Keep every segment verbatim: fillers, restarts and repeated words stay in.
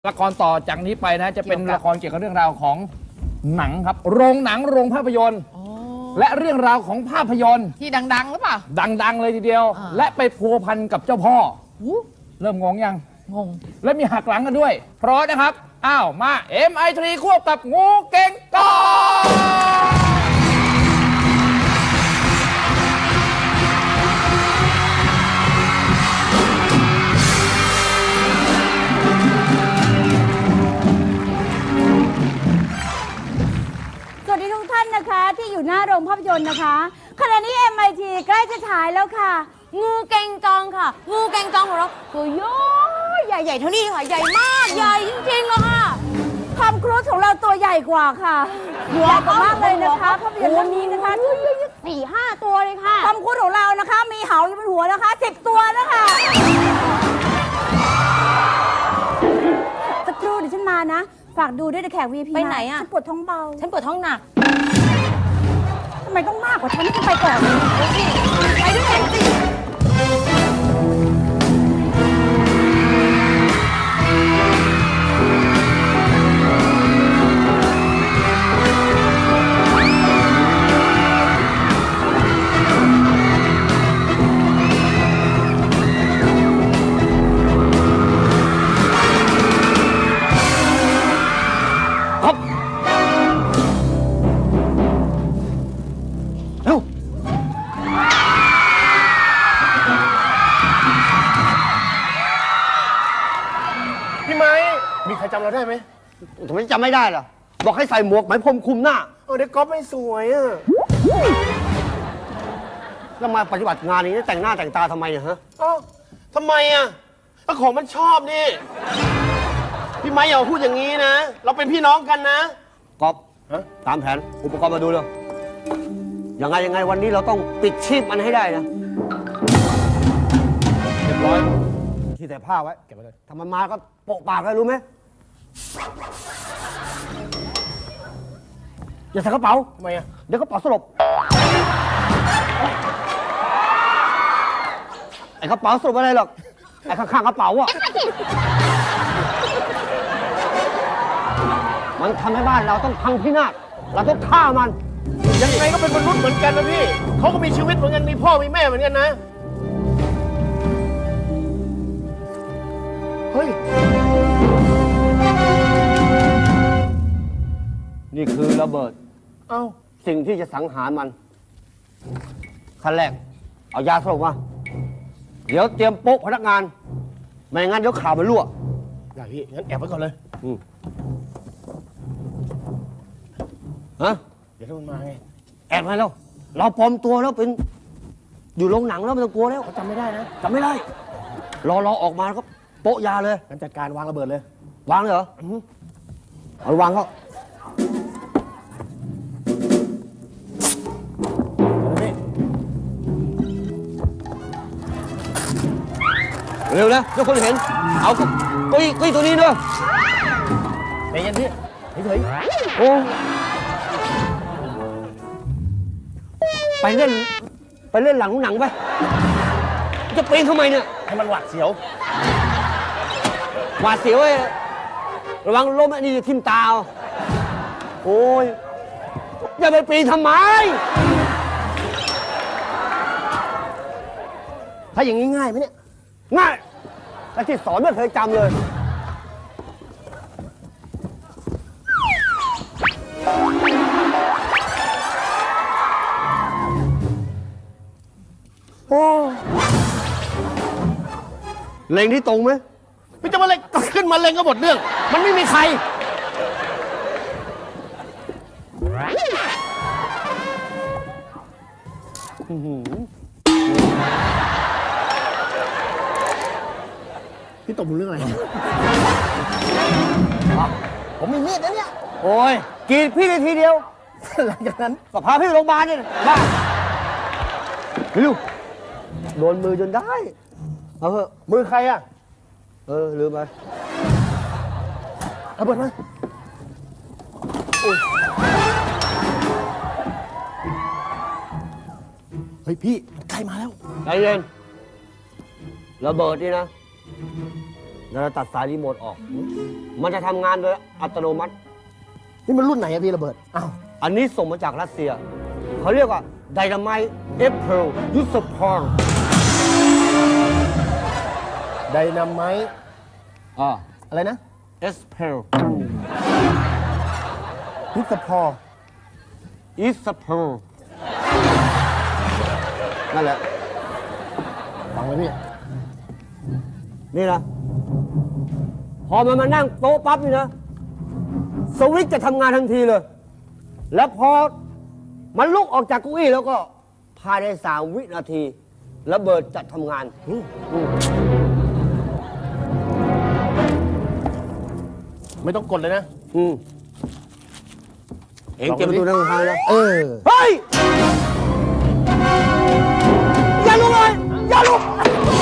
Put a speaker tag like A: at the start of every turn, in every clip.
A: ละครต่อจากนี้ไปนะจะเป็นละครเกี่ยวกับเรื่องราวของหนังครับโรงหนังโรงภาพยนตร์และเรื่องราวของภาพยนตร์
B: ที่ดังๆหรือเปล่า
A: ดังๆเลยทีเดียวและไปพัวพันกับเจ้าพ่อเริ่มงงยัง
B: งง
A: และมีหักหลังกันด้วยเพราะนะครับอ้าวมา เอ็ม ไอ ทรี ควบกับงูเก่งกอง
C: สวัสดีทุกท่านนะคะที่อยู่หน้าโรงภาพยนตร์นะคะขณะนี้ เอ็ม ไอ ที ใกล้จะฉายแล้วค่ะงูเก่งกองค่ะงูเก่งกองของเราตัวย้อยใหญ่ๆเท่านี้ค่ะใหญ่มากใหญ่จริงๆเลยค่ะทอมครูซของเราตัวใหญ่กว่าค่ะใหญ่กว่ามากเลยนะคะภาพยนตร์เรื่องนี้นะคะสี่ห้าตัวเลยค่ะทอมครูซของเรานะคะมีเหาอยู่บนหัวนะคะสิบตัวนะคะสักครู่เดี๋ยวฉันมานะฝากดูด้วยนะแขก วี พี
B: ไปไหนอ่ะ
C: ฉันปวดท้องเบา
B: ฉันปวดท้องหนัก
C: ทำไมต้องมากกว่าฉันที่ไปก่อนสิไปด้วยกันสิ
D: มีใครจำเราได้ไหม
E: ทำไมจำไม่ได้ล่ะบอกให้ใส่หมวกไหมพรมคลุมหน้า
D: เออเด็กก๊อฟไม่สวยอ่ะ
E: แล้วมาปฏิบัติงานนี้แต่งหน้าแต่งตาทำไมอะฮะ
D: อ้าวทำไมอ่ะก็ของมันชอบนี่พี่ไม้อย่าพูดอย่างนี้นะเราเป็นพี่น้องกันนะ
E: ก๊อฟตามแผนอุปกรณ์มาดูเลยยังไงยังไงวันนี้เราต้องปิดชีพมันให้ได้นะ
A: เรียบร้อย
E: ที่แต่ผ้าไว้เก็บไว้เลยถ้ามันมาก็โปะปากเลยรู้ไหมอย่าใส่กระเป๋า
D: ทำไมอ่ะ
E: เดี๋ยวกระเป๋าสลบไอ้กระเป๋าสลบอะไรหรอกไอ้ข้างๆกระเป๋าอ่ะมันทำให้บ้านเราต้องพังพินาศเราต้องฆ่ามัน
D: ยังไงก็เป็นมนุษย์เหมือนกันนะพี่เขาก็มีชีวิตเหมือนกันมีพ่อมีแม่เหมือนกันนะเฮ้ย
E: นี่คือระเบิด
D: เอ้า
E: สิ่งที่จะสังหารมันขั้นแรกเอายาสลบมาเดี๋ยวเตรียมโป๊ะพนักงานไม่งั้นเดี๋ยวข่าวมันรั่ว
D: ได้พี่งั้นแอบไว้ก่อนเลย
E: อืมฮะ
D: เดี๋ยวถ้ามันมาไง
E: แอบไว้แล้วเราปลอมตัวแล้วเป็นอยู่โรงหนังแล้วไม่ต้องกลัวแล้ว
D: เขาจำไม่ได้นะ
E: จำไม่ได้รอรอออกมาแล้วก็โป๊ะยาเลย
D: งั้นจัดการวางระเบิดเลยว
E: างเลยเหรอเอาวางเขาเร็วนะทุกคนเห็นเอากุ้ยกุ้ยตัวนี้ด้วย
D: ใจเย็นพี่เฉย
E: โอ้ไปเล่นไปเล่นหลังหนังไปจะปีนทำไมเนี่ย
D: ให้มันหวาดเสียว
E: หวาดเสียวไอ้ระวังล้มไอ้นี่ทิ่มตาโอ้ยอย่าไปปีนทำไม
D: ถ้าอย่างนี้ง่ายไหมเนี่ย
E: ง่ายแต่ที่สอนไม่เคยจำเลยโอ้เล็งที่ตรงไหม
D: พี่จะมาเล็งขึ้นมาเล็งก็หมดเรื่องมันไม่มีใครพี่ตบมือเรื่องอะไรผมมีมีดนะเนี่ย
E: โอ้ยกรีดพี่ได้ทีเดียว
D: หลังจากนั้น
E: ก็พาพี่ไปโรงพยาบาลเนี่ยบ้าเร็วโดนมือจนได้เอาเถอะ
D: มือใครอ่ะ
E: เออลืมไป
D: เอาเปิดมาเฮ้ยพี่ใครมาแล้ว
E: ใจเย็นระเบิดนี่นะแล้วเราตัดสายรีโมทออก มันจะทำงานโดยอัตโนมัติ
D: นี่มันรุ่นไหนอะพี่ระเบิด อ้าว
E: อันนี้ส่งมาจากรัสเซีย เขาเรียกว่าไดนาไมต์เอฟเพลยุสพร
D: ไดนาไมต์
E: อ่า
D: อะไรนะ
E: เอสเพล
D: พิสพอ
E: อิสเพลนั่นแหละ
D: ฟังไว้พี่
E: นี่นะ พอมันมานั่งโต๊ะปั๊บนี่นะ สวิตช์จะทำงานทันทีเลย แล้วพอมันลุกออกจากเก้าอี้แล้วก็ภายในสามวินาทีระเบิดจะทำงานอืมอืม
D: ไม่ต้องกดเลยนะ
E: อืมเองเก็บประตูนั่งข้างๆนะ
D: เออ
E: เฮ้ย อย่าลุกเลย อย่าลุก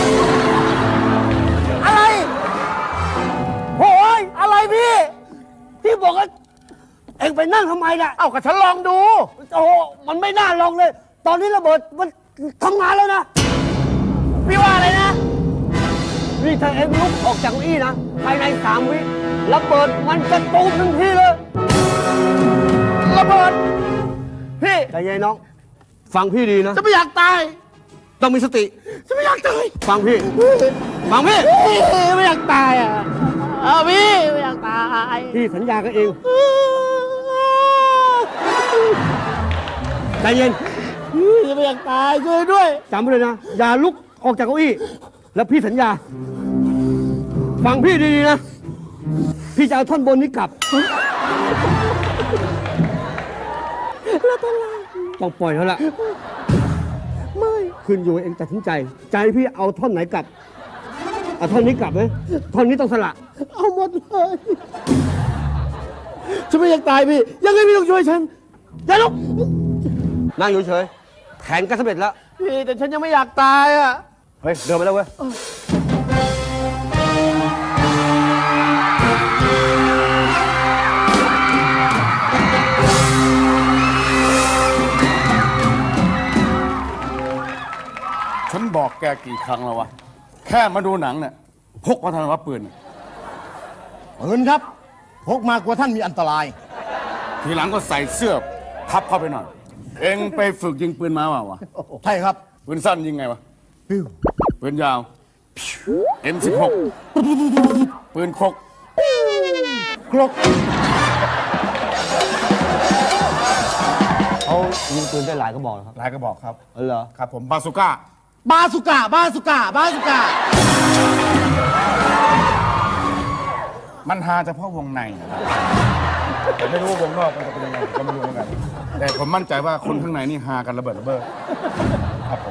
E: อะไรโอ้ยอะไรพี่ พี่บอกว่าเองไปนั่งทำไมน่ะ
D: เอ้าก็ฉันลองดู
E: โอ้โหมันไม่น่าลองเลย ตอนนี้ระเบิดมันทำงานแล้วนะ
D: พี่ว่าอะไรนะ
E: นี่ถ้าเอ็งลุกออกจากเก้าอี้นะ ภายในสามวิระเบิดมันจะตูมทันทีเลย
D: ระเบิด พี่
E: ใจเย็นน้อง ฟังพี่ดีนะ
D: จะไม่อยากตาย
E: ต้องมีสติ
D: จะไม่อยากตาย
E: ฟังพี่ ฟังพี่
D: ไม่อยากตายอ่ะเอาพี่ไม่อยากตาย
E: พี่สัญญากับเองใจเย็น
D: พี่ไม่อยากตายช่วยด้วย
E: จำไว้เลยนะ อย่าลุกออกจากเก้าอี้ แล้วพี่สัญญา ฟังพี่ดีๆนะ พี่จะเอาท่อนบนนี้กลับ ต้องปล่อยเขาละไม่ขึ้นอยู่กับเองตัดสินใจ ใจพี่เอาท่อนไหนกลับ เอาท่อนนี้กลับไหมท่อนนี้ต้องสละ
D: เอาหมดเลยฉันไม่อยากตายพี่ ยังไงพี่ต้องช่วยฉัน
E: อย่าลุก นั่งอยู่เฉยแผนก็สำเร็จแล้ว
D: พี่แต่ฉันยังไม่อยากตายอ่ะ
E: เฮ้ย เดินไปแล้วเว้ย
B: ฉันบอกแกกี่ครั้งแล้ววะ แค่มาดูหนังเนี่ยพกมาทำไมวะปืนเนี่ย
D: ปืนครับพกมากลัวท่านมีอันตราย
B: ทีหลังก็ใส่เสื้อพับเข้าไปหน่อย เอ็งไปฝึกยิงปืนมาเปล่าวะ
D: ใช่ครับ
B: ปืนสั้นยิงไงวะ
D: ปิ้ว
B: ปืนยาว เอ็ม สิบหก ปืนคก
D: ครก
E: เขายิงปืนได้หลายกระบอกนะครับ
A: หลายกระบอกครับ
E: เออเหรอ
A: ครับผมบาซูก้า
D: บาสุก้าบาสุก้าบาสุก้า
B: มันหาเฉพาะวงในแต่ไม่รู้ว่าวงนอกมันจะเป็นยังไงผมก็ไม่รู้เหมือนกัน แต่ผมมั่นใจว่าคนข้างในนี่หากันระเบิดระเบ้อครับผม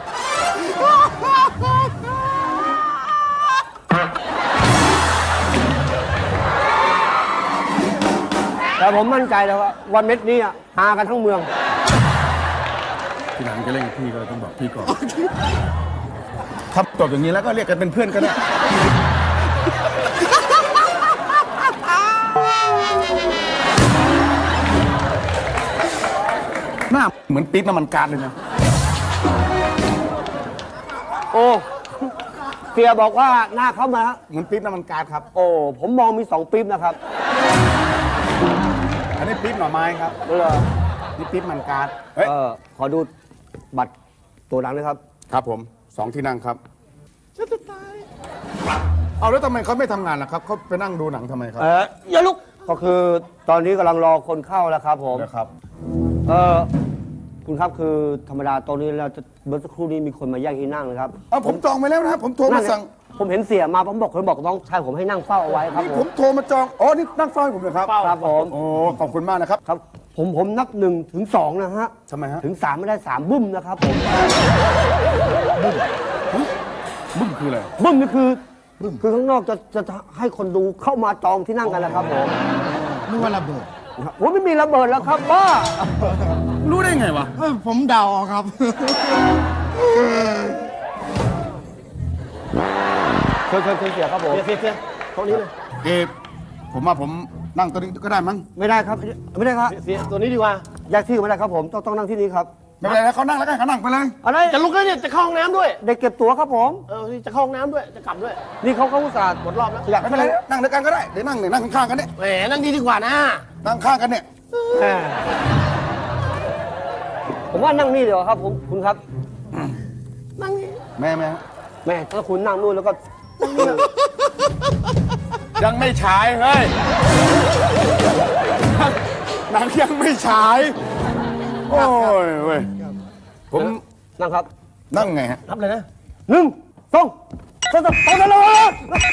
E: แต่ผมมั่นใจแล้วว่าวันเม็ดนี้อะหากันทั้งเมือง
B: ทีหลังจะเล่นกับพี่ก็ต้องบอกพี่ก่อนถ้าจบอย่างนี้แล้วก็เรียกกันเป็นเพื่อนก็ได้ หน้าเหมือนปิ๊บน้ำมันก๊าซเลยนะ
E: โอ้เสียบอกว่าหน้าเข้ามาฮะ
B: เหมือนปิ๊บน้ำมันก๊าซครับ
E: โอ้ผมมองมีสองปี๊บนะครับ
B: อันนี้ปิ๊บหน่อไม้ครับ
E: เออ
B: นี่ปิ๊บมันก๊าซเฮ้ย
E: เออขอดูบัตรตัวหนังนะครับ
B: ครับผมสองที่นั่งครับฉันจะตายเอาแล้วทำไมเขาไม่ทำงานล่ะครับเขาไปนั่งดูหนังทำไมครับ
E: เอออย่าลุกก็คือตอนนี้กำลังรอคนเข้าแล้วครับผม
B: นะครับ
E: เออคุณครับคือธรรมดาตอนนี้เราจะเมื่อสักครู่นี้มีคนมาแย่งที่นั่งนะครับ
B: เอาผมจองไปแล้วนะครับผมโทรมาสั่ง
E: ผมเห็นเสียมาผมบอกคนบอกน้องชายผมให้นั่งเฝ้าเอาไว้ครับ
B: นี่
E: ผ
B: ผม มโทรมาจองอ๋อนี่นั่งเฝ้าให้ผมเลยครับ
E: ครับผม
B: โอ้ขอบคุณมากนะครับ
E: ครับ ผมผมนับหนึ่งถึงสองนะฮะ
B: ทำไมฮะ
E: ถึงสามไม่ได้สามบึ้มนะครับผม
B: บึ้มคืออะไร
E: บึ้มนี่คือคือข้างนอกจะจะให้คนดูเข้ามาจองที่นั่งกันนะครับผม
D: นึกว่าระเบิด
E: โอ้ไม่มีระเบิดแล้วครับบ้า
B: รู้ได้ไงวะ
D: เอ้ยผมเดาเอาครับ
E: เชิญเชิญเชิญเสียครับผม
D: เสียเสียเสียตรงนี้เลย
B: เอผมว่าผมนั่งตัวนี้ก็ได้มั้ง
E: ไม่ได้ครับ ไม่ได้ครับ
D: เสียตัวนี้ดีกว่า
E: แยกที่ไม่ได้ครับผมต้องต้องนั่งที่นี้ครับ
B: ไม่เป็นไรนะเขานั่งแล้วกันเขานั่งไปเลย
E: อะไร
D: จะลุกแล้วเนี่ย จะเข้าห้องน้ำด้วย
E: เด็กเก็บตั๋วครับผม
D: เออ จะเข้าห้องน้ำด้วย จะกลับด้วย
E: นี่เขาเขาอุตส่าห์
D: หมดรอบแล้ว
E: อยาก
B: ไม่เป็นไรนะนั่งด้วยกันก็ได้เดี๋ยวนั่งเนี่ยนั่งข้างๆกันเนี่ย
D: แหม นั่งดีดีกว่านะ
B: นั่งข้างกันเนี่ย
E: แหมผมว่านั่งนี่เดี๋ยวาครับผมคุณครับ
D: นั่งนี่
B: แม่แม่
E: แม่ถ้าคุณนั่งนู่นแล้วก็
B: ยังไม่ฉายเฮ้ยหนังยังไม่ฉายโอ้ยเว้ยผม
E: นั่งครับ
B: นั่งไงฮะ
D: รับเลยนะ
E: หนึ่งสองสามสองสามเลย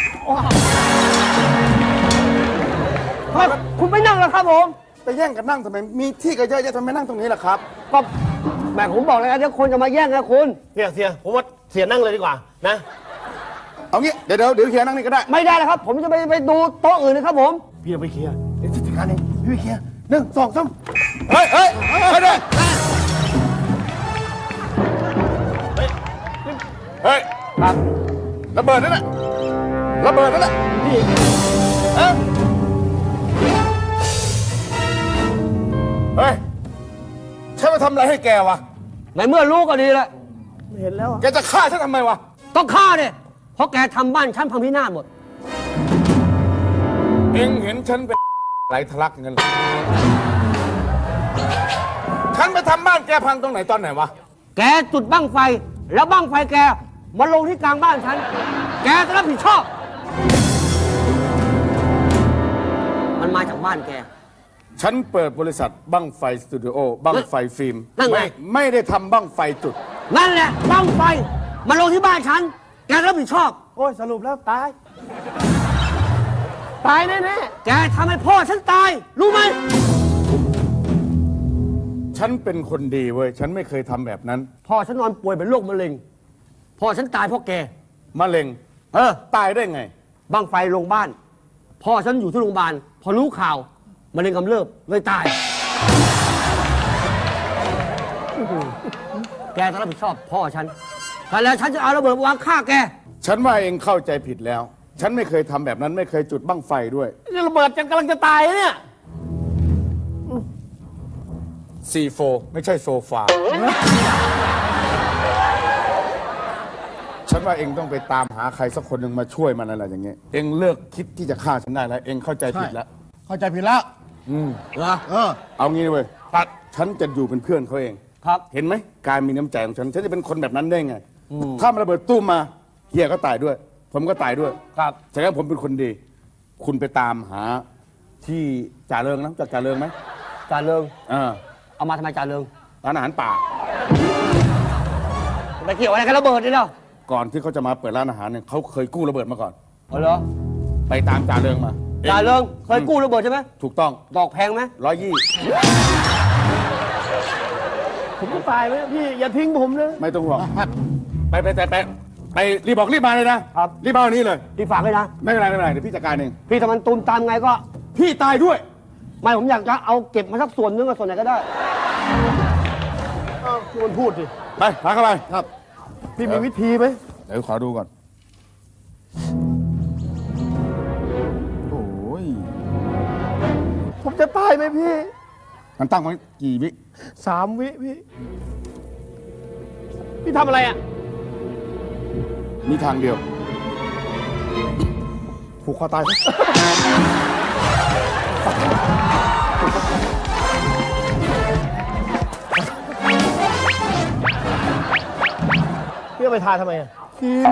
E: ทำไมคุณไม่นั่งล่ะครับผม
B: ไปแย่งกันนั่งทำไมมีที่ก็เยอะแยะทำไมนั่งตรงนี้ล่ะครับ
E: ก็แหม่ผมบอกเลยนะเดี๋ยวคนจะมาแย่งนะคุณ
D: เสียเสียผมว่าเสียนั่งเลยดีกว่า นะ
B: เอางี้เดี๋ยวเดี๋ยวเดี๋ยวเคลียร์นั่งนี่ก็ได้
E: ไม่ได้แล้วครับ ผมจะไปไปดูโต๊ะอื่นนะครับผม
D: พี่เอาไปเคลียร์
B: เดี๋ยวจัดการเองพี่ไปเคลียร์หนึ่งสองสามเฮ้ยเฮ้ยเฮ้ยเฮ้ยเฮ้ย
E: ครับ
B: ระเบิดนั่นแหละระเบิดนั่นแหละพี่เอ้ยเฮ้ยฉันมาทำอะไรให้แกวะ
E: ในเมื่อรู้ก็ดีแล้ว
D: ไม่เห็นแล้วอะ
B: แกจะฆ่าฉันทำไมวะ
E: ต้องฆ่าเนี่ยเพราะแกทำบ้านฉันพังพินาศหมด
B: เอ็งเห็นฉันเป็นไหลทะลักเงินเหรอฉันไปทำบ้านแกพังตรงไหนตอนไหนวะ
E: แกจุดบั้งไฟ แล้วบั้งไฟแกมาลงที่กลางบ้านฉัน แกจะรับผิดชอบ มันมาจากบ้านแก
B: ฉันเปิดบริษัทบั้งไฟสตูดิโอบั้งไฟฟิล์ม
E: นั่นไง
B: ไม่ไม่ได้ทำบั้งไฟจุด
E: นั่นแหละบั้งไฟมาลงที่บ้านฉัน แกรับผิดชอบ
D: โอ้ย สรุปแล้วตาย ตายแน่
E: แกทำให้พ่อฉันตาย รู้ไหม
B: ฉันเป็นคนดีเว้ย ฉันไม่เคยทำแบบนั้น
E: พ่อฉันนอนป่วยเป็นโรคมะเร็ง พ่อฉันตายเพราะแก
B: มะเร็ง
E: เออ
B: ตายได้ไง
E: บั้งไฟลงบ้าน พ่อฉันอยู่ที่โรงพยาบาล พอรู้ข่าวมะเร็งกำเริบเลยตาย แกต้องรับผิดชอบพ่อฉันแต่แล้วฉันจะเอาระเบิดมาวางฆ่าแก
B: ฉันว่าเองเข้าใจผิดแล้ว ฉันไม่เคยทำแบบนั้นไม่เคยจุดบั้งไฟด้วย
D: ๆนี่ระเบิดจะกำลังจะตายเนี่ย
B: ซี โฟ ไม่ใช่โซฟา ฉันว่าเองต้องไปตามหาใครสักคนหนึ่งมาช่วยมันอะไรอย่างเงี้ย เองเลิกคิดที่จะฆ่าฉันได้แล้ว เองเข้าใจผิดแล้ว
A: เข้าใจผิดแล้ว
B: อืม
A: เหรอเออ
B: เอางี้เว้ยตัดฉันจะอยู่เป็นเพื่อนเขาเอง
E: ครับ
B: เห็นไหมการมีน้ำใจของฉัน ฉันจะเป็นคนแบบนั้นได้ไง ถ้ามันระเบิดตู้มมาเฮียก็ตายด้วย ผมก็ตายด้วย
E: ครับ
B: แสดงว่าผมเป็นคนดี คุณไปตามหาที่จ่าเริงนะจากจ่าเริงไหม
E: จ่าเริง
B: เออ
E: เอามาทำไมจ่าเริง
B: ร้านอาหารป่า
E: ไปเกี่ยวอะไรกับระเบิดนี่เนาะ
B: ก่อนที่เขาจะมาเปิดร้านอาหารเนี่ยเขาเคยกู้ระเบิดมาก่อน
E: เอาเหรอ
B: ไปตามจ่าเริงมา
E: จ่าเริงเคยกู้ระเบิดใช่ไหม
B: ถูกต้อง
E: ดอกแพงไหม
B: ร้อยยี่
D: ผมจะตายไหมพี่ อย่าทิ้งผมนะ
B: ไม่ต้องห่วงไปไปไปไปไปรีบบอกรีบมาเลยนะครับ รีบมาวันนี้เลย
E: พี่ฝากเลยนะ
B: ไม่เป็นไรไม่เป็นไรเดี๋ยวพี่จัดการเอง
E: พี่ทำมันตูมตามไงก็
B: พี่ตายด้วย
E: ไม่ผมอยากจะเอาเก็บมาสักส่วนนึงกับส่วนไหนก็ได้
D: อ้าวพี่มันพูดดิ
B: ไปพาเข้าไปครับ
D: พี่มีวิธีไหม
B: เดี๋ยวขอดูก่อน โอ้ย
D: ผมจะตายไหมพี่
B: มันตั้งไว้กี่วิ
D: สามวิพี่ พี่ทำอะไรอ่ะ
B: มีทางเดียว
D: ผูกคอตายไหมพี่เอาไปทาทำไมอ่ะ
B: กิน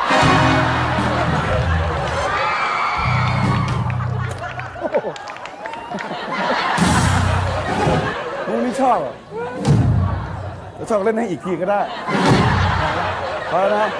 B: มึงไม่ชอบเหรอจะชอบเล่นให้อีกทีก็ได้พอแล้วนะ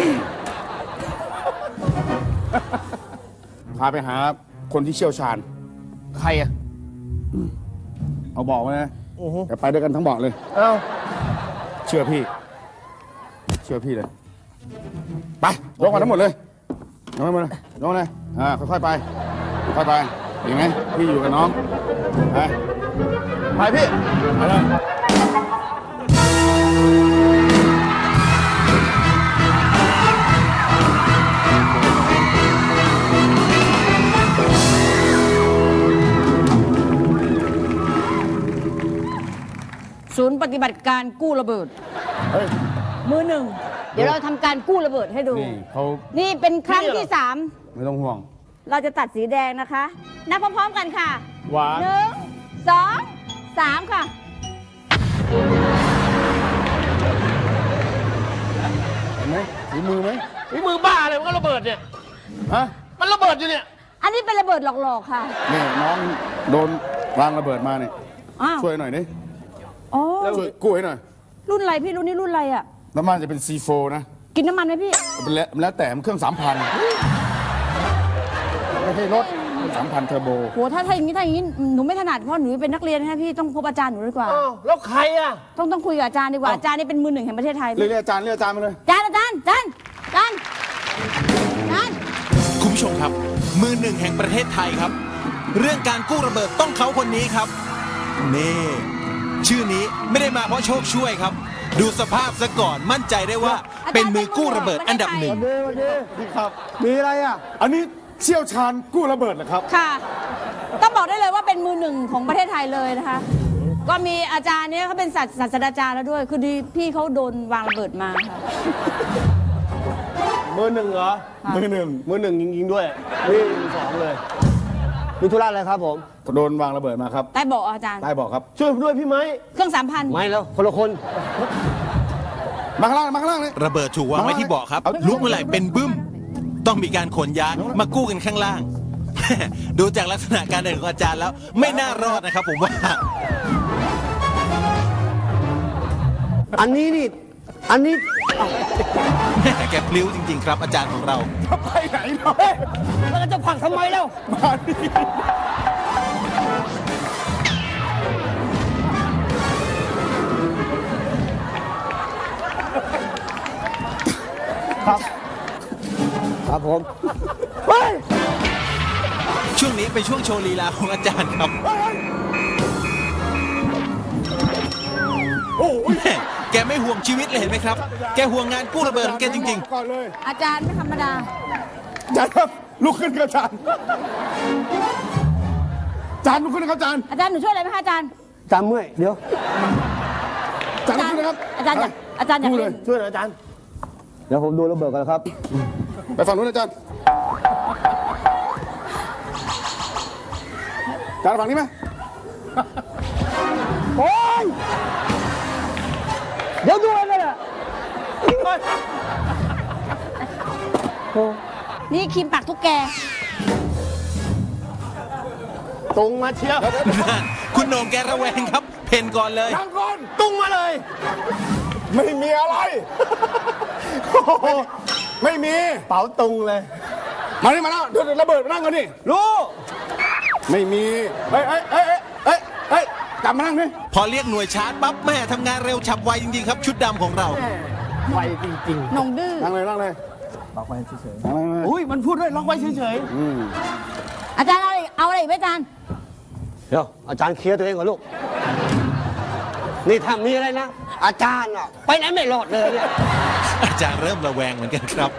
B: พาไปหาคนที่เชี่ยวชาญ
D: ใครอ่ะ
B: เอาบอกไว้นะ
D: อือฮึ
B: เดี๋ยวไปด้วยกันทั้งบอกเลย
D: เอ้า
B: เชื่อพี่ เชื่อพี่เลย ไปลงกันทั้งหมดเลยลงกันหมดเลยลงเลยอ่าค่อยๆไป ค่อยๆไปเห็นไหมพี่อยู่กับน้อง ไป
D: ไปพี่
B: ไปเลย
C: ศูนย์ปฏิบัติการกู้ระเบิด
B: เฮ้ย
C: มือหนึ่ง เดี๋ยวเราทำการกู้ระเบิดให้ดู
B: นี่เขา
C: นี่เป็นครั้งที่สาม
B: ไม่ต้องห่วง
C: เราจะตัดสีแดงนะคะ นับพร้อมๆกันค่ะ
D: หวาน
C: หนึ่งสองสามค่ะ
B: เห็นไหมฝีมือไหม
D: นี่มือบ้าเลยมันก็ระเบิดเนี่ย
B: ฮะ
D: มันระเบิดอยู่เนี่ย
C: อันนี้เป็นระเบิดหลอกๆค่ะ
B: นี่น้องโดนวางระเบิดมาเนี่ย
C: อ้าว
B: ช่วยหน่อยดิ
C: อ๋อ
B: ช่วยกู้ให้หน่อย
C: รุ่นอะไรพี่รุ่นนี้รุ่นอะไรอ่ะ
B: น้ำมันจะเป็น ซี โฟร์ นะ
C: กินน้ำมันไหมพี่
B: เป็นแล้วแล้วแต่มันเครื่องสามพันไม่ใช่รถสามพันเทอร์โบ
C: โหถ้าถ้าอย่างนี้ถ้าอย่างนี้หนูไม่ถนัดเพราะหนูเป็นนักเรียนนะพี่ต้องพบอาจารย์หนูดีกว่า
D: อ้าว แล้วใครอ่ะ
C: ต้องต้องคุยกับอาจารย์ดีกว่าอาจารย์นี่เป็นมือหนึ่งแห่งประเทศไทย
B: เรียกเรียกอาจารย์เรียกอาจารย์มาเลย
C: อาจารย์อาจารย์อาจารย์อาจารย์อาจารย์
F: คุณผู้ชมครับ มือหนึ่งแห่งประเทศไทยครับ เรื่องการกู้ระเบิดต้องเขาคนนี้ครับนี่ชื่อนี้ไม่ได้มาเพราะโชคช่วยครับ ดูสภาพซะก่อนมั่นใจได้ว่าเป็นมือกู้ระเบิดอันดับหนึ่ง
E: ดีดีดีครับ มีอะไรอ่ะ
B: อันนี้เชี่ยวชาญกู้ระเบิดเหรอครับ
C: ค่ะ ต้องบอกได้เลยว่าเป็นมือหนึ่งของประเทศไทยเลยนะคะ ก็มีอาจารย์เนี่ยเขาเป็นศาสตร์ศาสตราจารย์แล้วด้วย คือดีพี่เขาโดนวางระเบิดมาค่ะ
D: มือหนึ่งเหรอ
C: ค่ะ
B: มือหนึ่ง
D: มือหนึ่งจริงๆด้วย นี่สองเลย
E: มีธุระอะไรครับผม
B: โดนวางระเบิดมาครับ
C: ได้บอกอาจารย์
B: ใต้บอกครับ
D: ช่วยผมด้วยพี่ไม้
C: เครื่องสามพัน
E: ไม่แล้ว คนละคน
B: มาข้างล่างมาข้างล่างเลย
F: ระเบิดถูกวางไว้ที่เบาะครับ ลุกเมื่อไหร่เป็นบึ้ม ต้องมีการขนย้ายมากู้กันข้างล่าง ดูจากลักษณะการเดินของอาจารย์แล้ว ไม่น่ารอดนะครับผมว่า
E: อันนี้นี่ อันนี้
F: แม่แกพลิ้วจริง ๆ ครับ อาจารย์ของเรา
B: ไปไหนเนาะ
E: แล้วจะผลักทำไมแล้ว
B: มาดิ
E: ครับผม
F: ช่วงนี้เป็นช่วงโชว์ลีลาของอาจารย์ครับ
B: โอ้ย
F: แม่แกไม่ห่วงชีวิตเลยเห็นไหมครับ แกห่วงงานกู้ระเบิดของแกจริง
B: ก่อนเลย
C: อาจารย์ไม่ธรรมดา
B: อาจารย์ครับลุกขึ้นครับอาจารย์อาจารย์ลุกขึ้นนะครับอาจารย์
C: อาจารย์หนูช่วยอะไรไหมคะอาจารย์
E: จำเมื่อย เดี๋ยว
B: อาจารย์ลุกขึ้นนะครับ
C: อาจารย์อยากอาจารย์อยาก
B: ดูเล
C: เล่
B: ย
C: น
D: ช่วยหน่อยอาจารย์
E: เดี๋ยวผมดูระเบิดกันนะครับ
B: ไปฝั่งนู้นอาจารย์อาจารย์ฝั่งนี้ไหม
E: โอ้ย เดี๋ยวดูเลยน่ะ
C: นี่ครีมปากทุกแก
D: ตรงมาเชียว
F: ๆนั่นคุณโหน่งแกระแวงครับ เพนก่อนเลย
B: นั่งก่อน
D: ตุ้งมาเลย
B: ไม่มีอะไรโอ้โหไม่มี
D: เป๋าตุงเลย
B: มานี่มาแล้วเดี๋ยวระเบิดมานั่งกันดิ
D: รู้
B: ไม่มีเฮ้ยเฮ้ยเฮ้ยเฮ้ยเฮ้ยกลับมานั่งดิ
F: พอเรียกหน่วยชาร์จปั๊บแม่ทำงานเร็วฉับไวจริง ๆ ครับชุดดำของเรา
D: ไวจริง
C: นงดื้อ
B: นั่งเลยนั่งเลยบอกไปเฉยๆนั่งเลย
D: ๆ อุ้ยมันพูดด้วยล็อกไว้เฉย
B: อืม
C: อาจารย์เอาอะไรเอาอะไรอีกไหมอาจารย์
E: เดี๋ยว อาจารย์เคลียร์ตัวเองก่อนลูก นี่ถ้ามีอะไรนะ อาจารย์อ่ะ ไปไหนไม่รอดเลยเนี่ย
F: อาจารย์เริ่มระแวงเหมือนกันครับ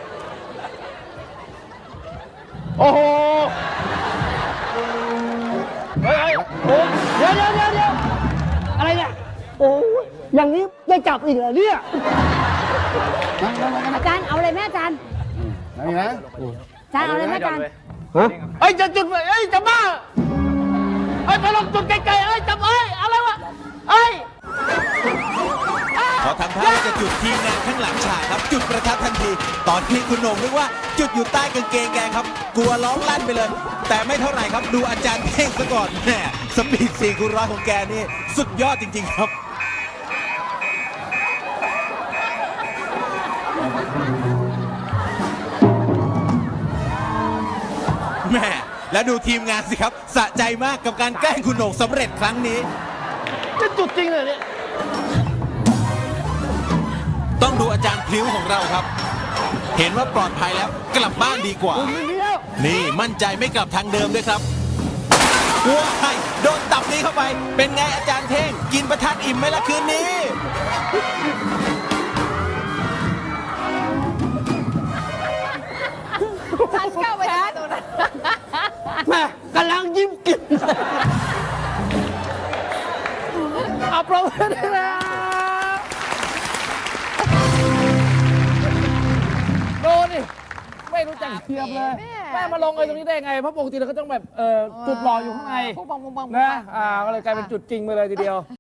D: ๆ โอ้โห เฮ้ยเฮ้ยโอ้ย
E: เดี๋ยวเดี๋ยวเดี๋ยวเดี๋ยวอะไรเนี่ย โอ้ยอย่างนี้ได้จับอีกเหรอเนี่ย
B: นั่งนั่งนั่งนั่ง
C: อาจารย์เอาอะไรไหมอาจารย์
B: นั่งนะ
C: อาจารย์เอาอะไรไหมอาจารย์
E: ฮะ
D: เอ้ยจะจุดไฟเอ้ยจะบ้าเอ้ยไปลงจุดไกลๆเอ้ยจับเอ้ยอะไรวะเอ้ย
F: พอทำท่าว่าจะจุดทีมงานข้างหลังฉากครับ จุดประทัดทันที ตอนที่คุณโหน่งนึกว่า จุดอยู่ใต้กางเกงแกครับ กลัวร้องลั่นไปเลย แต่ไม่เท่าไหร่ครับดูอาจารย์เท่งซะก่อนแม่สปีดสี่คูณร้อยของแกนี่สุดยอดจริง ๆ ครับแม่แล้วดูทีมงานสิครับ สะใจมากกับการแกล้งคุณโหน่งสำเร็จครั้งนี้
D: จะจุดจริงเลยเนี่ย
F: ต้องดูอาจารย์พลิ้วของเราครับ เห็นว่าปลอดภัยแล้วกลับบ้านดีกว่า นี่มั่นใจไม่กลับทางเดิมด้วยครับว้ายโดนตับนี้เข้าไป เป็นไงอาจารย์เท่ง กินประทัดอิ่มไหมล่ะคืนนี้
C: อาจารย์เข้าไปได้ตรงนั้น
E: แม่กำลังยิ้มกิน
D: เอา
A: ปรบมือด้วยนะโดนดิไม่รู้จักเทียมเลย แม่มาลงเลยตรงนี้ได้ไง เพราะปกติเราก็ต้องแบบเอ่อจุดหล่ออยู่ข้างใน
G: ปุ๊บปังปุ๊บปัง
A: นะอ่าก็เลยกลายเป็นจุดจริงไปเลยทีเดียว